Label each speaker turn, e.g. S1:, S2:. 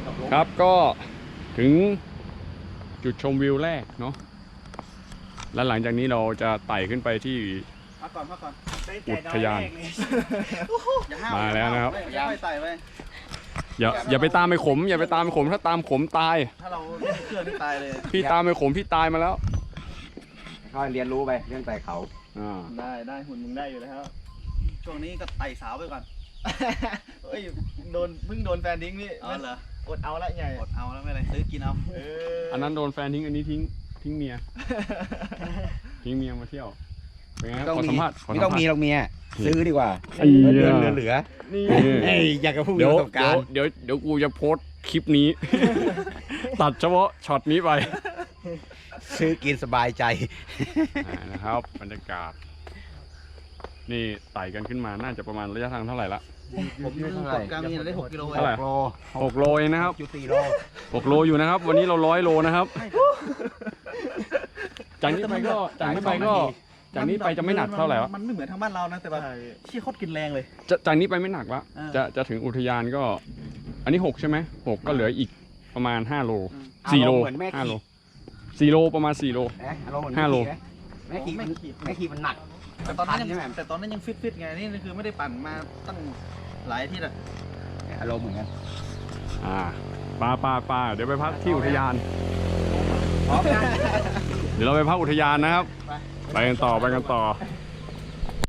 S1: ครับก็ถึงจุดชมวิวแรกเนาะและหลังจากนี้เราจะไต่ขึ้นไปที่
S2: พักก่อน
S1: อุทยานมาแล้วนะครับอย่าไปตามไปขมอย่าไปตามไปขมถ้าตามขมตาย
S2: ถ้าเราเล่นเครื่องนี่ตายเลย
S1: พี่ตามไปขมพี่ตายมาแล้ว
S3: ก็เรียนรู้ไปเรื่องไต่เขา
S2: ได้หุ่นมึงได้อยู่แล้วช่วงนี้ก็ไต่สาวไปก่อนเฮ้ยเพิ่งโดนแฟนทิ้งนี่เหรออดเอาละใหญ่อดเอาแล้วไม่อะไรซื้อกินเอา
S1: อันนั้นโดนแฟนทิ้งอันนี้ทิ้งเมียทิ้งเมียมาเที่ยวเป็นไงขอสัมภาษณ์
S3: ไม่ต้องมีหรอกเมียซื้อดีกว่าเดือนเหลือ
S1: นี่
S3: อยากจะพูดประสบการณ์
S1: เดี๋ยวกูจะโพสต์คลิปนี้ ตัดเฉพาะช็อตนี้ไป
S3: ซื้อกินสบายใจ
S1: นะครับบรรยากาศนี่ไต่กันขึ้นมาน่าจะประมาณระยะทางเท่าไหร่ละ
S2: ผมยืนเท่าไหร่กลางมีได้6 กิโล
S1: เท่าไหร่6 โลเองนะครับ
S3: 4 โล
S1: 6 โลอยู่นะครับวันนี้เรา100 โลนะครับจากนี้ไปจะไม่หนักเท่าไหร่
S2: มันไม่เหมือนทางบ้านเรานะแต่แบบชี้โคตรกินแรงเลย
S1: จากนี้ไปไม่หนักละจะถึงอุทยานก็อันนี้6ใช่ไหม6ก็เหลืออีกประมาณ5 โล4 โล5 โล4 โลประมาณ4 โล5 โล
S3: แม่ขี่มันหนัก
S2: แต่ตอนนั้นยังฟิตไงนี่คือไม่ได้ปั่นมาตั้งหลายอาทิตย์อะ
S3: อารมณ์เหมือนกัน
S1: ปลาเดี๋ยวไปพักที่อุทยานเดี๋ยวเราไปพักอุทยานนะครับไปกันต่อ